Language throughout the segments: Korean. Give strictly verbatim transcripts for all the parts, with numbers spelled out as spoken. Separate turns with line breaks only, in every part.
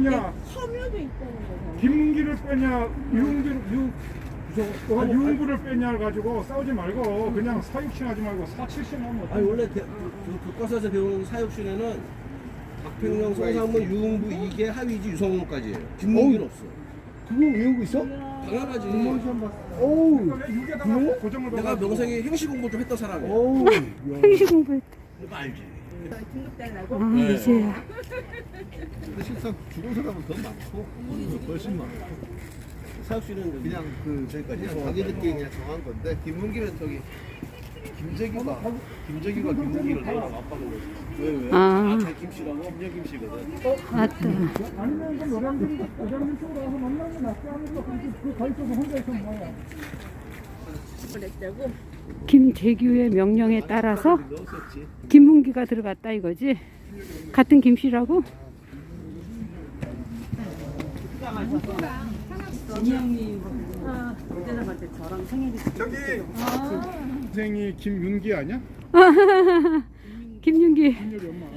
야,
섬유도 있다는 거잖아.
김문기를 빼냐, 유흥기를, 유, 저, 아, 유흥구를 빼냐 가지고 싸우지 말고 그냥 사육신 하지 말고 사칠신 하면 어때?
아니 원래 대, 그 교과서에서 배우는 사육신에는 박평영, 송상문, 유흥부 이게 하위지 유성문까지예요. 김문기는 없어.
그거 외우고 있어?
당연하지.
어우,
그러니까 왜 육에다가 고정을
내가
넣어가지고.
명색에 행시 공부 좀 했던 사람이야.
어우.
행시 공부했다.
이거 알지?
등급달라고?
아,
네.
이제야.
근데 실상 죽은 사람은 더 많고 훨씬 많고
사육신은
그냥 그 그러니까 자기들끼리 그냥 정한 건데 김문기는 저기 김재규가 김재규가 김문기를 내가 맞박은 거지.
왜 왜?
아.
아잘 김씨라고? 김재 김씨거든.
맞다.
아니면 그 노량진, 노량진 쪽으로 와서 만나는 게 낫지 않을까? 그 가위 쪽에 혼자 있으면 뭐야?
그랬다고?
김재규의 명령에 따라서
넣었었지.
김문기가 들어갔다 이거지? 같은 김씨라고?
저기 선생이 김윤기 아니야?
김윤기.
김윤기 엄마.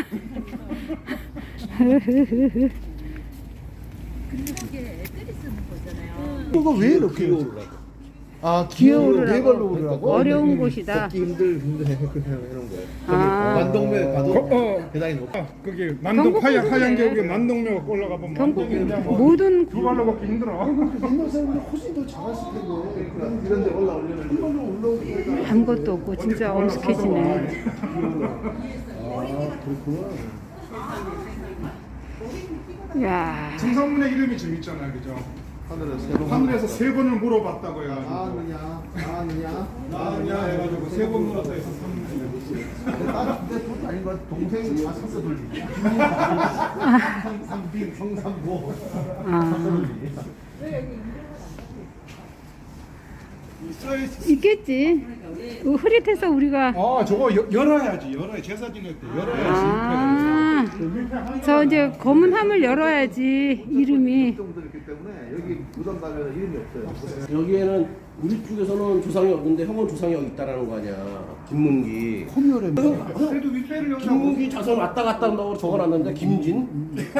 근데 그게 애들이 쓰는 거잖아요.
그거 왜 이렇게 아 기어오를 네 발로 오르라고?
어려운 곳이다.
걷기 힘들 힘들 이런 거예요.
아.
만동묘 가도
거- 어.
계단이 높아.
아, 거기 만동
경북
하얀
고수네.
하얀 게 우리 만동묘 올라가 보면
경북
완전히 그냥 뭐
모든
두 발로 걷기 힘들어.
옛날 사람들 훨씬 더 잘했을 텐데 그러니까 이런 데 올라오려면 한 발로 올라오고
아무것도 없고 진짜 엄숙해지네.
아 그렇구나.
야,
정상문의 이름이 재밌잖아요, 그죠?
하늘에서 새로
하늘에서 세 번을 물어봤다고요.
나느냐 나느냐
나냐 해가지고 세 번 물었다 해서 삼
다른 근데 그것도 아닌 것 같아. 동생이 다 샀어 돌리기. 성삼빈 성삼보
아,
있어야지.
있겠지. 그 흐릿해서 우리가
아 저거 여, 열어야지 열어야 제사 지낼 때 열어야지.
아, 저 이제 검은 함을 열어야지 이름이.
정도 있기 때문에 여기 무덤 가면 이름이 없어요.
여기에는 우리 쪽에서는 조상이 없는데 형은 조상이 여기 있다라는 거 아니야. 김문기.
홈이어래.
그래도 윗배를 열자고.
김문기 자손 왔다 갔다 한다고 적어놨는데 김진.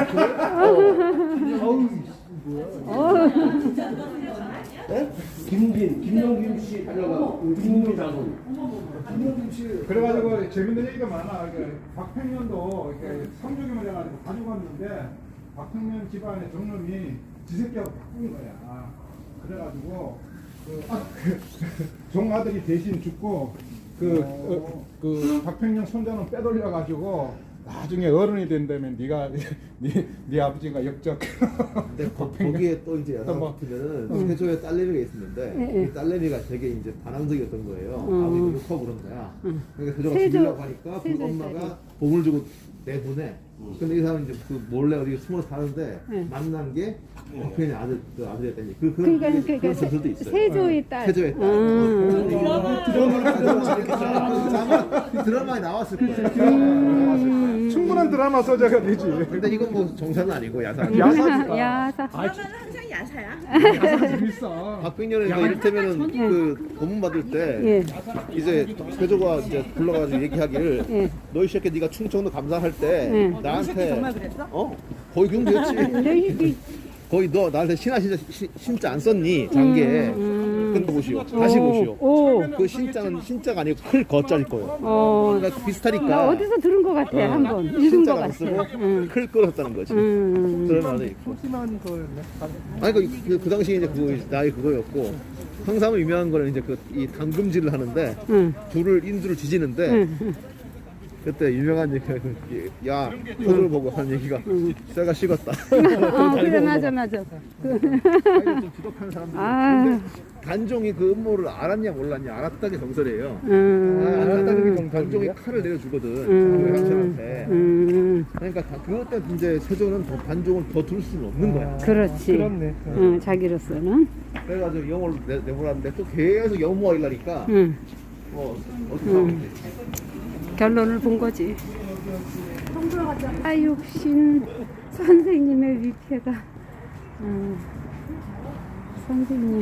네? 김진, 김영김 씨 다녀가 김문기 자손.
그래가지고 재밌는 얘기가 많아. 그러니까 박평년도 이렇게 성적임을 해가지고 가져갔는데 박평년 집안의 정놈이 지새끼하고 바꾼 거야. 그래가지고 그, 아, 그 종아들이 대신 죽고 그, 어, 그 박평년 손자는 빼돌려가지고 나중에 어른이 된다면 네가 네, 네 아버지가 역적.
근데 거, 거기에 또 이제
또 뭐.
여자분들은 세조에 딸내미가 있었는데
예, 예.
이 딸내미가 되게 이제 반항적이었던 거예요.
음.
아버지도 욕하고 그런 거야. 그러니까 세조가
세조-
죽이려고 하니까 그
세조의
엄마가
딸이.
봉을 주고 내보내. 근데 이 사람은 이제 그 몰래 어디 숨어 사는데
예.
만난 게 박평의 아들 그 아들이었다니. 그 그런
그러니까
그런
그러니까
전설도 있어요.
세조의 딸.
세조의 딸.
음.
드라마 그 드라마에 나왔을 거예요.
음.
충분한 드라마 소재가 되지.
근데 이건 뭐 정사는 아니고 야사.
야사니까.
야사.
그러면 항상 야사야?
야사가 재밌어.
박빙년은 그 이를테면은 그 고문 받을 때
예.
이제 세조가 이제 불러가지고 얘기하기를
예.
너 이 새끼 네가 충청도 감사할 때
예.
나한테
정말 그랬어?
어 거의 그런 거였지.
근데 이-
거의 너 나한테 신하 신자 신- 신자 안 썼니 장기에.
음.
근데 보시오. 다시 보시오.
오.
그 신자는 신자가 아니고 클 거짜리 거예요.
어.
그러니까
나
비슷하니까.
어디서 들은 것 같아
어,
한번 읽은 것
신자가 안
같아.
쓰고
응.
클 끌었다는 거지.
음.
그런 말도 있고.
심한 거였네.
아니 그, 그, 그 당시에 이제 그거 나이 그거였고 항상 유명한 거는 이제 그 이 당금질을 하는데
응.
줄을 인두를 지지는데
응.
그때 유명한 얘기가 그, 야 표를 보고 하는 얘기가 쇠가 식었다.
어, 그래 맞아 맞아. 그,
좀 지독한 사람들.
아.
근데 단종이 그 음모를 알았냐 몰랐냐 알았다는 게 정설이에요.
음.
알았다는 게 단종이 칼을 내려주거든.
음.
그 형제한테.
음.
그러니까 다- 그것 때문에 이제 세조는 더 단종을 더 둘 수는 없는 거야.
그렇지. 응, 자기로서는.
그래가지고 영어를 내, 내보라는데 또 계속 영모가 일라니까
응.
뭐 어떻게 하면 돼.
결론을 본 거지. 사육신 선생님의 위패가. 음, 선생님.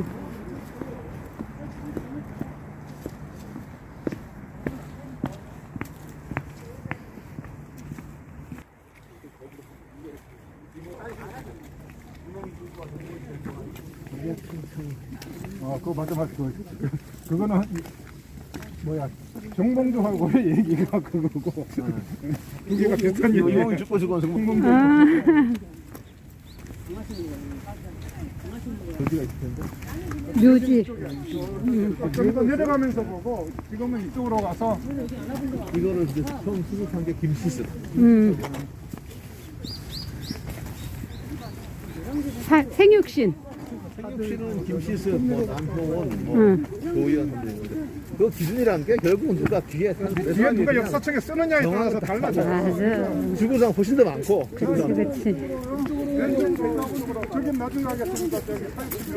아, 그거 맞아, 맞아. 그거. 그거는, 뭐야, 정봉주하고 얘기가 그거고. 두 개가 비슷한 얘기야.
이몽이 죽고 죽고 죽고.
아,
어디가 있을 텐데?
묘지.
좀 더 내려가면서 보고, 지금은 이쪽으로 가서,
이거를 이제 처음 수습한 게 김시스.
음. 사, 생육신.
생육씨는 김시스, 뭐 남효원, 뭐
응.
조희연 선생님인데 그 기준이라는 게 결국은 누가 뒤에 산
뒤에 누가 역사책에 쓰느냐에 따라서 달라져.
맞아.
주구장 훨씬 더 많고
그렇지, 그렇지.
저기 나중에 하겠습니다. 저기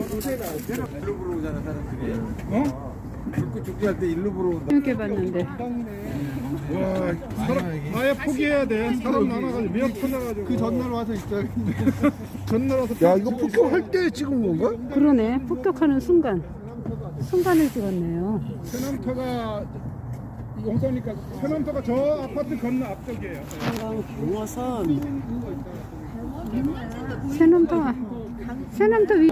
어?
죽고 죽기 할 때 일로 보러 온다.
이렇게 봤는데.
와, 사람, 아예 포기해야 돼. 사람 많아가지고 몇 터나가지고. 그 전날 와서 있어야겠네. 전날 와서.
야 이거 폭격할 때 찍은 건가?
그러네. 폭격하는 순간. 순간을 찍었네요.
세남터가 용서니까 세남터가 저 아파트 건너 앞쪽이에요.
새남터, 새남터 위.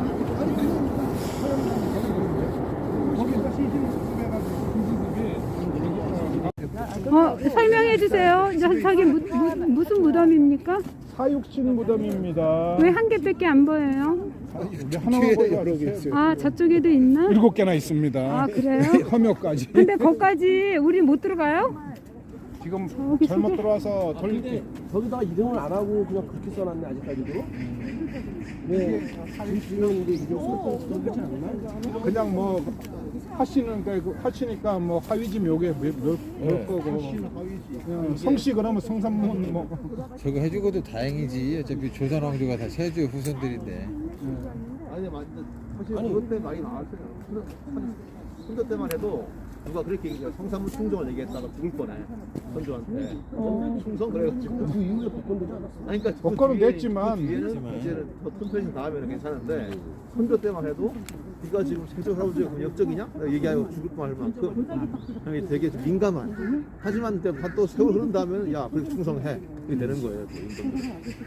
거기서 시신 수습해가지고 시신집이
어, 설명해 주세요. 저- 저기 무, 무, 무슨 무덤입니까?
사육신 무덤입니다.
왜 한 개밖에 안 보여요?
하나만 보여 여러 개 있어요.
아, 저쪽에도 있나?
일곱 개나 있습니다.
아, 그래요?
험역까지.
근데 거기까지 우리 못 들어가요?
지금
저기
잘못
저기.
들어와서 돌
거기다가 이름을 안 하고 그냥 그렇게 써놨네 아직까지도. 네. 지금 이제 이름 써놓고 그렇지 않나?
그냥 뭐 하시는 그 하시니까 뭐 하위지 묘게 몇
네.
거고. 그냥 성씨 그러면 성삼문 뭐.
저거 해주고도 다행이지. 어차피 조선 왕조가 다 세조 후손들인데.
아니 맞 사실 그것 때 많이 나왔어요. 선조 때만 해도 누가 그렇게 얘기해요. 성삼문 충정을 얘기했다가 죽을 뻔해 선조한테. 충성 그래가지고
그 이후에 복권되지 않았어?
아니 그러니까 그
복권은
뒤에-
됐지만.
그 뒤에는 이제는 더 튼튼해진 다음에는 괜찮은데 선조 때만 해도 네가 지금 세조 할아버지가 그럼 역적이냐? 내가 얘기하고 죽을 뻔할 만큼 형이 되게 좀 민감한. 하지만 또 한 또 세월 흐른 다음에는 야 그렇게 충성해 이렇게 되는 거예요. 또 인간들은.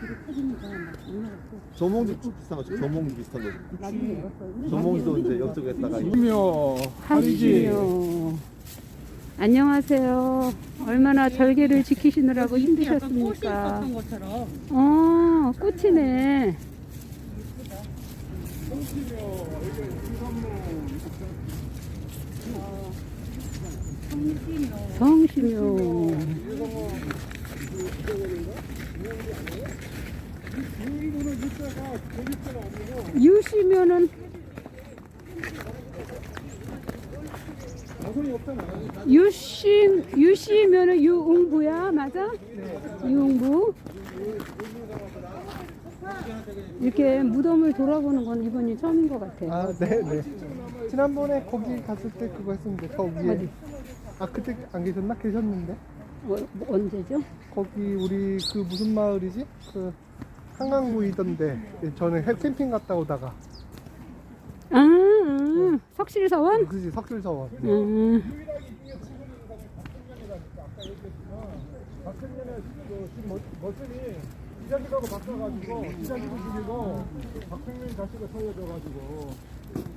조몽주 비슷한 거죠. 조몽주 비슷한 거죠. 조몽주도 이제 역적했다가
묘 하위지.
하지요. 안녕하세요. 얼마나 절개를 지키시느라고 힘드셨습니까? 어, 꽃이네. 성심요. 유시면은 유시 유시면은 유웅부야, 맞아? 유웅부. 이렇게 무덤을 돌아보는 건 이번이 처음인 것 같아.
아, 네, 네. 지난번에 거기 갔을 때 그거 했었는데 거기에
어디?
아 그때 안 계셨나? 계셨는데
어, 뭐 언제죠?
거기 우리 그 무슨 마을이지? 그 한강구이던데 저는 해- 캠핑 갔다 오다가
아, 아 석실서원?
그지 석줄서원.
음.
박근혜는 그 머슴이 기자기하고 바꿔가지고 기자기도 죽이고 박평민 자식을 살려줘가지고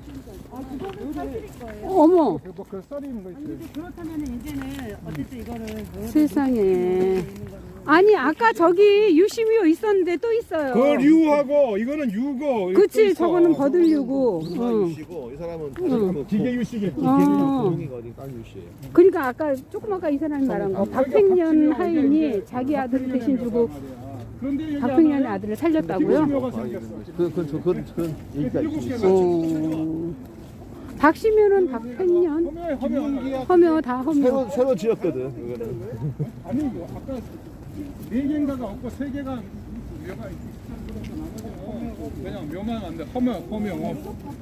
어머,
뭐그 썰이 있는 거 있어요.
그렇다면 이제는 어쨌든 이거를
세상에. 아니 아까 저기 유시미오 있었는데 또 있어요.
그 류하고 이거는 유고.
그치, 저거는 버들류고.
누나
응.
유씨고 이 사람은
응.
그
기계 유씨겠지.
어.
동이가 어디 딴 유씨예요.
그러니까 아까 조금 아까 이 사람이 말한 거 박팽년 하인이 자기 아들을 대신 주고
그런데 여기
박팽년의 아들을 살렸다고요?
묘가 생겼어.
그, 그, 그, 그, 그 얘기가
일곱
있어.
개가
어. 박시면은 박팽년,
허묘 허묘.
허묘 다 허묘.
새로, 새로 지었거든, 그거는.
아니 뭐 아까 네 개인가가 없고 세 개가 묘가 있고 그냥 묘만 안돼 허묘 허묘.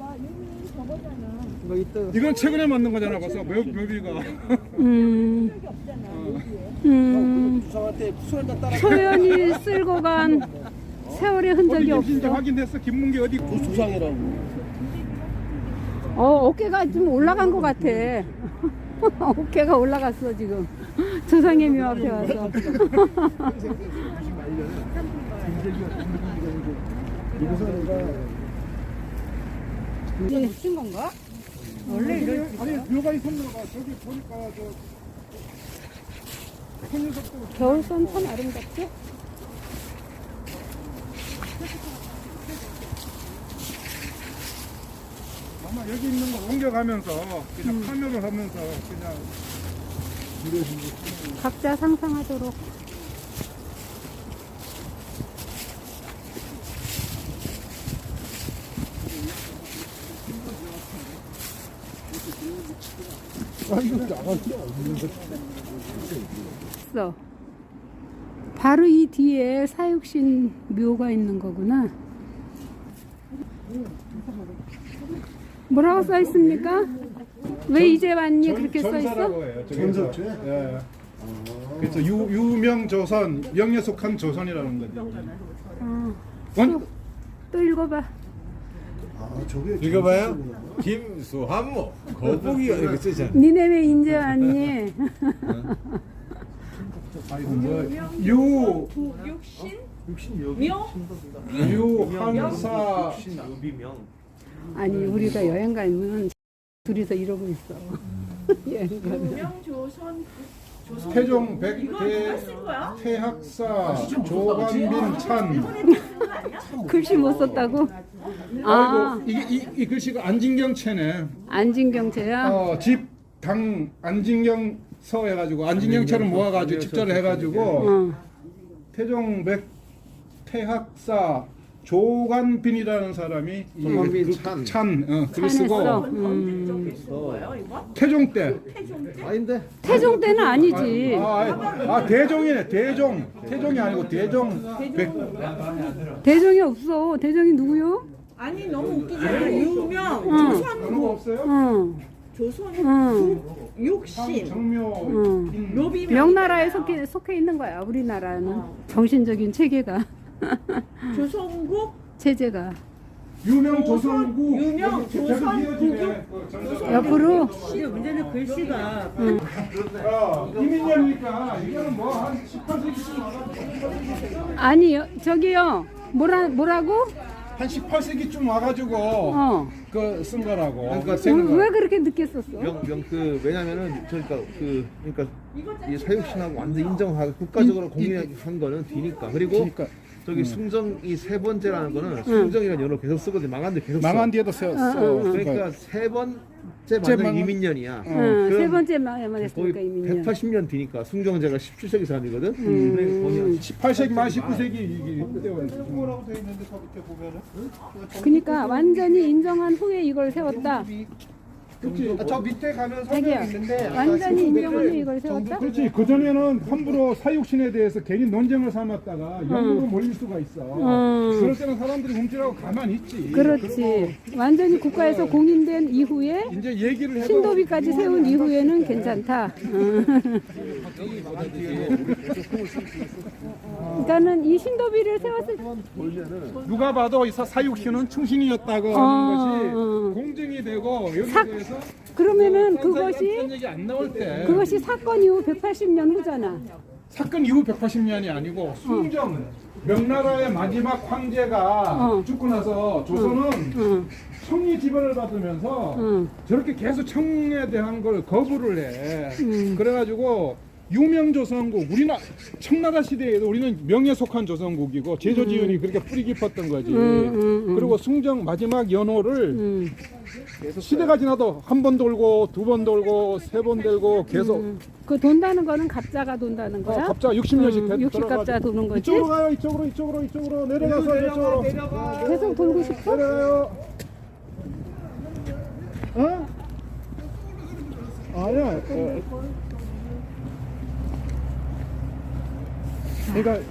이건 최근에 만든 거잖아 벌써 묘 묘비가.
음, 음,
주상한테 수혈단 따라
소연이 쓸고 간 세월의 흔적이
어디 진짜
없어.
확인됐어 김문기 어디?
주상이라고.
어, 어깨가 좀 올라간 것 같아. 어깨가 올라갔어 지금. 조상의 묘 앞에 와서. 이게 쓴 건가?
원래 이래 아니 묘가 있었나봐. 저기 보니까 저 현유석도
겨울선 참 아름답죠?
아마 여기 있는 거 옮겨가면서 그냥 파묘를 하면서 그냥
각자 상상하도록. 있어. 바로 이 뒤에 사육신 묘가 있는 거구나. 뭐라고 써 있습니까? 왜 이제 왔니? 그렇게 써 있어?
전사라고 해요. 전사죄? 예. 그래서 유, 유명 조선, 명예 속한 조선이라는 거죠.
어.
원,
또 읽어봐.
읽어봐요. 김수한모 거북이가 이렇게 쓰잖아.
니네 왜 이제 왔니?
아이고 뭐 유, 유한사,
아니 우리가 여행 가면 둘이서 이러고 있어. 여행 가면.
명조선
태종 백대 태학사 조관빈 찬.
글씨 못 썼다고? 아,
아이고 이게 이, 이 글씨가 안진경체네.
안진경제야?
어, 집당 안진경 서 해가지고 안진경체를 모아가지고 집절을 해가지고
어.
태종 백 태학사 조관빈이라는 사람이 이
조관빈
그-
찬.
찬 어, 글을
찬했어.
쓰고
음.
태종 때
아닌데
태종 때는 아니지.
아, 아, 아 대종이네 대종 태종이 아니고 대종 백
대종이 없어. 대종이 누구요?
아니 너무 웃기잖아. 유명
그런 거
조선
없어요?
응.
조선
응.
육신
정묘
응.
인-
묘비
명나라에 속해, 속해 있는 거야. 우리나라는 정신적인 체계가
조선국
체제가
유명 조선국
유명
여기 계속
조선국이-
이어지네. 그 전사가.
옆으로
문제는 글씨가
어, 이민년이니까 이거는 뭐 한 십팔 세기쯤 와가지고
아니 여, 저기요. 뭐라 뭐라고?
한 십팔 세기쯤 와가지고
어.
그 쓴 거라고.
그러니까
쓴
왜,
거.
왜 그렇게 늦게 썼어?
명 명 그 왜냐면은 그러니까 그 그러니까 이 사육신하고 완전 인정하고 국가적으로 공인한 거는 뒤니까. 그리고
그러니까
저기 숭정이 세 번째라는 거는 숭정이라는 연어 계속 쓰거든. 망한데 계속 써.
망한 뒤에도 써. 써.
그러니까 세 번째
째
만년
망한-
이민년이야.
응, 세
그럼
번째 말만
거의
했으니까 이민년.
백팔십 년 뒤니까 숭정제가 십칠 세기 사람이거든. 그러니까 거의 한
십팔 세기 말 십구 세기 이게
뭐라고 돼 있는데 저 밑에 보면은
그러니까 완전히 인정한 후에 이걸 세웠다.
아, 저 밑에 가면
자기야,
설명 있는데 아까
완전히
십구
인정한 후에 이걸 세웠다?
그렇지. 그 전에는 함부로 사육신에 대해서 괜히 논쟁을 삼았다가 역으로 몰릴 수가 있어.
음.
그럴 때는 사람들이 움찔하고 가만히 있지.
그렇지. 완전히 국가에서 공인된 이후에
이제 얘기를 해도
신도비까지 세운 이후에는 괜찮다. 음. 그러니까는 이 신도비를 세웠을 때
누가 봐도 이 사- 사육신은 충신이었다고
어,
하는
어.
것이 공증이 되고 여기에
사-
대해서
그러면은
딴
그것이
얘기 안 나올 때
그것이 사건 이후 백팔십 년 후잖아.
사건 이후 백팔십 년이 아니고 숭정 명나라의 마지막 황제가
어.
죽고 나서 조선은
응,
청리 지배를 받으면서
응.
저렇게 계속 청에 대한 걸 거부를 해.
음.
그래가지고 유명조선국 우리나 청나라 시대에도 우리는 명예 속한 조선국이고 제조지은이 그렇게 뿌리 깊었던 거지.
음, 음, 음.
그리고 숭정 마지막 연호를
음.
시대가 지나도 한 번 돌고 두 번 돌고 세 번 돌고 계속
그 돈다는 거는 갑자가 돈다는 거야?
어, 갑자기 육십 년씩
음,
되-
육십 갑자
돌아가지고.
도는 거지?
이쪽으로 가요. 이쪽으로 이쪽으로 이쪽으로 내려가서 이쪽으로
계속 돌고 싶어?
내려가요. 어? 아니야. 어. 그러니까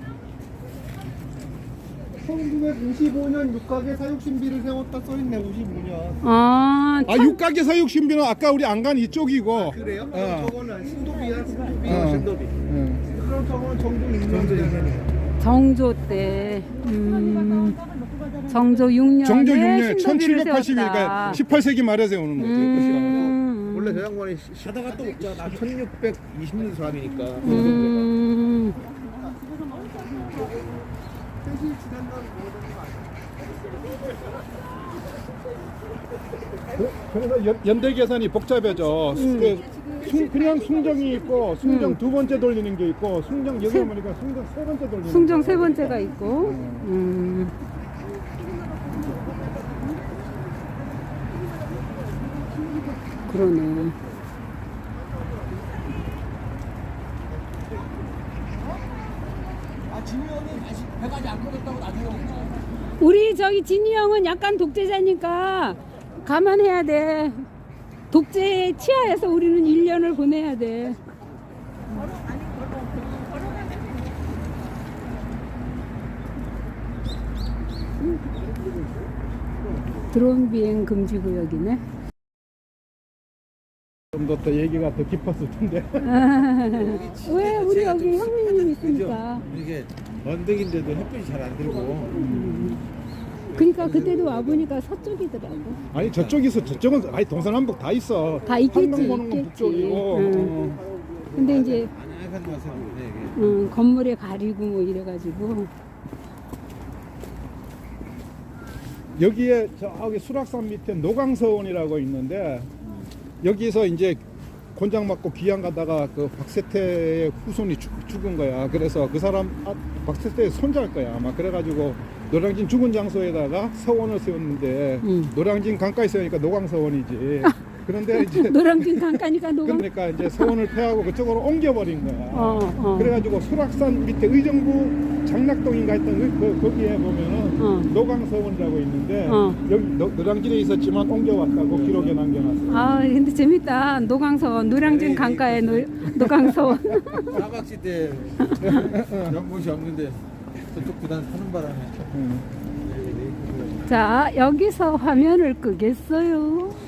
천구백오십오 년 육각에 사육신비를 세웠다 써있네. 오십오 년.
아,
아 육각의 사육신비는 아까 우리 안 간 이쪽이고.
그래요?
어.
저거는 신도비야. 신도비.
어.
신도비.
응.
그럼 저거는 정도 인정되네.
정조 때, 음, 정조 육 년에
정조 육 년
신도비를
천칠백팔십 일
세웠다.
그러니까 십팔 세기 말에 세우는 거지.
음,
원래 저 양반이 하다가 또 없잖아. 천육백이십 년 사람이니까.
음,
그- 그래서 연, 연대 계산이 복잡해져. 그 숭- 그냥 숭정이 있고 숭정
음.
두 번째 돌리는 게 있고 숭정 여기
세-
보니까 숭정 세 번째 돌리는
숭정
게
세 번째가 있고. 음. 그러네.
아 진이 형이 다시 배가지 안 꺼졌다고 나중에 먹자.
우리 저기 진이 형은 약간 독재자니까 감안해야 돼. 독재에 치하해서 우리는 일 년을 보내야 돼. 드론 비행 금지 구역이네.
좀 더 더 얘기가 더 깊었을 텐데.
왜 우리 여기 형님 있으니까.
이게 언덕인데도 햇빛이 잘 안 들고
그러니까 그때도 와 보니까 서쪽이더라고.
아니 저쪽에서 저쪽은 아니 동서남북 다 있어.
다 있겠지,
한강 보는 건
있겠지.
북쪽이고.
응.
어.
근데 이제
안약한 맛은 없네 이게.
음, 건물에 가리고 뭐 이래가지고.
여기에 저기 수락산 밑에 노강서원이라고 있는데 여기서 이제 곤장 맞고 귀양 가다가 그 박세태의 후손이 죽, 죽은 거야. 그래서 그 사람 아, 박세태의 손자일 거야 아마. 그래가지고 노량진 죽은 장소에다가 서원을 세웠는데
음.
노량진 강가에 세우니까 노강서원이지. 그런데 이제
노량진 강가니까 노강.
그러니까 이제 서원을 폐하고 그쪽으로 옮겨버린 거야.
어, 어.
그래가지고 수락산 밑에 의정부 장락동인가 했던 그, 그 거기에 보면은
어.
노강서원이라고 있는데
어.
여기 노, 노량진에 있었지만 옮겨왔다고 기록에 남겨놨어.
아 근데 재밌다. 노강서원 노량진 강가에 노, 노강서원.
사각지 때 연못이 없는데 저쪽 구단 타는 바람에
자 여기서 화면을 끄겠어요.